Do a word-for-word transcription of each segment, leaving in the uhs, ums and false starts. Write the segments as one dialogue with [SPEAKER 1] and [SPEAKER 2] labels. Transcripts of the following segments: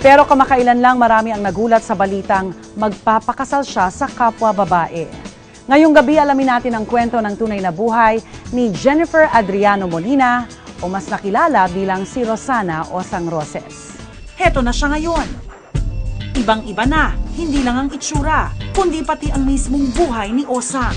[SPEAKER 1] Pero kamakailan lang marami ang nagulat sa balitang magpapakasal siya sa kapwa babae. Ngayong gabi alamin natin ang kwento ng tunay na buhay ni Jennifer Adriano Molina o mas nakilala bilang si Rosana Osang Roses.
[SPEAKER 2] Heto na siya ngayon. Ibang-iba na, hindi lang ang itsura, kundi pati ang mismong buhay ni Osang.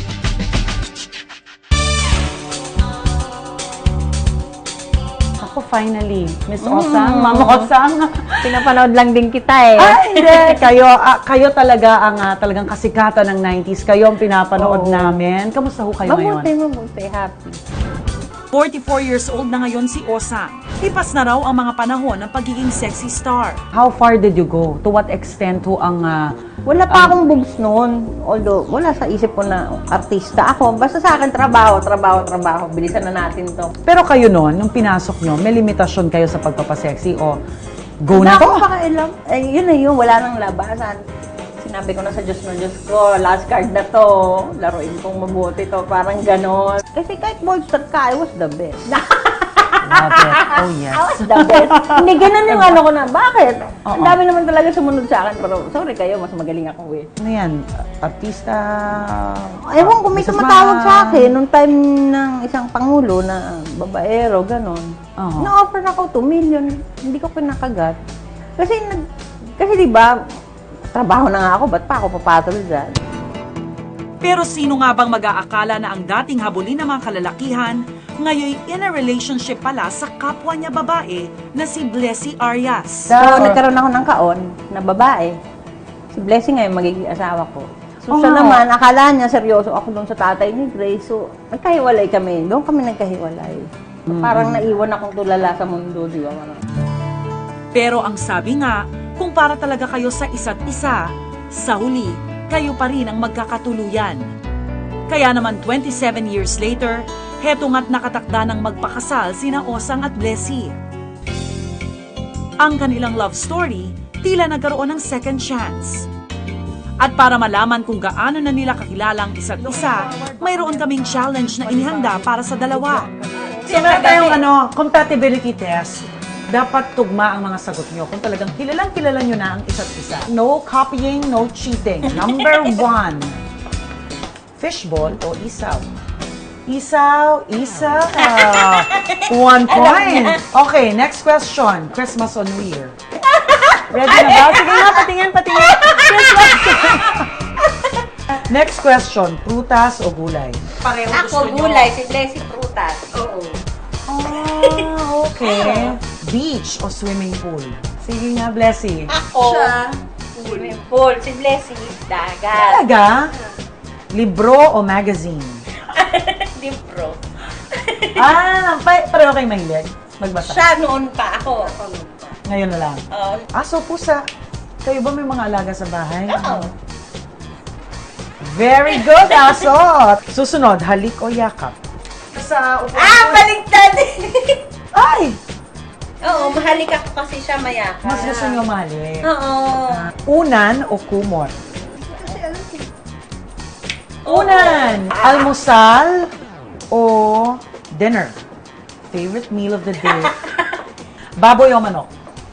[SPEAKER 1] Ako finally, Miss Osang, Mama Osang.
[SPEAKER 3] Pinapanood lang din kita eh.
[SPEAKER 1] Ay, hindi. Kayo, ah, kayo talaga ang ah, talagang kasikatan ng nineties. Kayo ang pinapanood
[SPEAKER 3] Oo.
[SPEAKER 1] namin. Kamusta ho kayo
[SPEAKER 3] Mabuti,
[SPEAKER 1] ngayon?
[SPEAKER 3] mabuti. Happy.
[SPEAKER 2] forty-four years old na ngayon si Osang. Lipas na raw ang mga panahon ng pagiging sexy star.
[SPEAKER 1] How far did you go? To what extent ho ang... ah,
[SPEAKER 3] Wala pa akong boobs noon. Although, wala sa isip ko na artista ako. Basta sa akin, trabaho, trabaho, trabaho. Bilisan na natin to.
[SPEAKER 1] pero kayo noon, nung pinasok nyo, may limitasyon kayo sa pagpapasexy o go na
[SPEAKER 3] Wala
[SPEAKER 1] to?
[SPEAKER 3] akong pakailam. Eh, yun na yun. Wala nang labasan. Sinabi ko na sa Diyos na Diyos ko, last card na to. Laruin kong mabuti to. Parang ganon. Kasi kahit bolster ka, I was the best.
[SPEAKER 1] Love it. Oh, yes.
[SPEAKER 3] I was the best. Hindi, ganun yung ano ko na. Bakit?
[SPEAKER 1] Oo.
[SPEAKER 3] Ang dami naman talaga sumunod sa akin. Pero sorry kayo, mas magaling ako eh.
[SPEAKER 1] Ano yan? Artista?
[SPEAKER 3] Ewan ko, may
[SPEAKER 1] businessman?
[SPEAKER 3] tumatawag sa akin nung time ng isang pangulo na babaero, gano'n.
[SPEAKER 1] Oo.
[SPEAKER 3] Na-offer ako two million. Hindi ko pinakagat. Kasi, nag, kasi di ba, trabaho na nga ako, ba't pa ako papatol dyan?
[SPEAKER 2] Pero sino nga bang mag-aakala na ang dating habulin ng mga kalalakihan, ngayon in a relationship pala sa kapwa niya babae na si Blessy Arias.
[SPEAKER 3] So, nagkaroon ako ng kaon na babae. Si Blessing ngayon magiging asawa ko. So, siya
[SPEAKER 1] Oh.
[SPEAKER 3] naman, akala niya seryoso ako doon sa tatay ni Grace. So, nagkahiwalay kami. Doon kami nagkahiwalay. So, parang naiwan akong tulala sa mundo, di ba? Parang,
[SPEAKER 2] Pero ang sabi nga, kung para talaga kayo sa isa't isa, sa huli, kayo pa rin ang magkakatuluyan. Kaya naman twenty-seven years later, heto nga't nakatakda ng magpakasal sina Osang at Blessy. Ang kanilang love story, tila nagkaroon ng second chance. At para malaman kung gaano na nila kakilala ang isa't isa, mayroon kaming challenge na inihanda para sa dalawa.
[SPEAKER 1] So, meron tayong ano, compatibility test. Dapat tugma ang mga sagot nyo. Kung talagang kilalang kilala nyo na ang isa't isa. No copying, no cheating. Number one, fishball o isaw? Isaw, isaw. Ah, one point. Okay, next question. Christmas or New Year? Ready na ba? Sige nga, patingin, patingin. Christmas. Next question, prutas o gulay?
[SPEAKER 2] Pareho
[SPEAKER 3] ako, gulay. Si Blessing prutas. Oo.
[SPEAKER 1] Ah, okay. Beach o swimming pool? Sige nga, Blessy.
[SPEAKER 3] Ako, swimming pool. Si Blessing, dagat.
[SPEAKER 1] Talaga? Libro o magazine?
[SPEAKER 3] Libro.
[SPEAKER 1] Ah, pa pareho kayo mahilig? Magbasa?
[SPEAKER 3] Siya noon pa ako.
[SPEAKER 1] Ngayon na lang.
[SPEAKER 3] Oo.
[SPEAKER 1] Aso, pusa. Kayo ba may mga alaga sa bahay?
[SPEAKER 3] Oo.
[SPEAKER 1] Very good, aso. Susunod, halik o yakap? Sa upuan.
[SPEAKER 3] Ah, baligtad!
[SPEAKER 1] Ay!
[SPEAKER 3] Oo, mahalik ako kasi siya mayaka.
[SPEAKER 1] Mas gusto nyo mahalik.
[SPEAKER 3] Oo.
[SPEAKER 1] Unan o kumot? Unan! Almusal o dinner? Favorite meal of the day? Baboy o manok?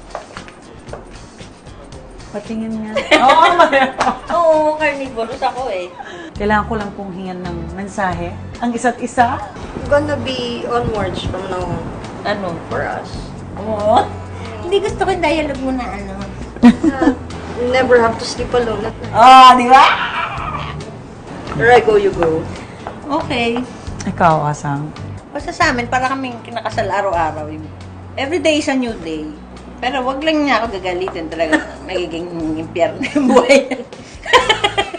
[SPEAKER 1] Patingin nga. Oo,
[SPEAKER 3] Oo, carnivorous ako eh.
[SPEAKER 1] kailangan ko lang pong hingan ng mensahe. Ang isa't isa.
[SPEAKER 4] Gonna be onwards from now on
[SPEAKER 3] Ano?
[SPEAKER 4] for us.
[SPEAKER 3] Oo. Hindi gusto ko yung dialogue mo na ano.
[SPEAKER 4] Uh, never have to sleep alone at night.
[SPEAKER 3] Ah, di ba?
[SPEAKER 4] Where I go, you go.
[SPEAKER 3] Okay.
[SPEAKER 1] Ikaw, Asang.
[SPEAKER 3] Basta sa amin, para kaming kinakasal araw-araw. Every day is a new day. Pero wag lang niya ako gagalitin talaga. Nagiging impyerno yung buhay.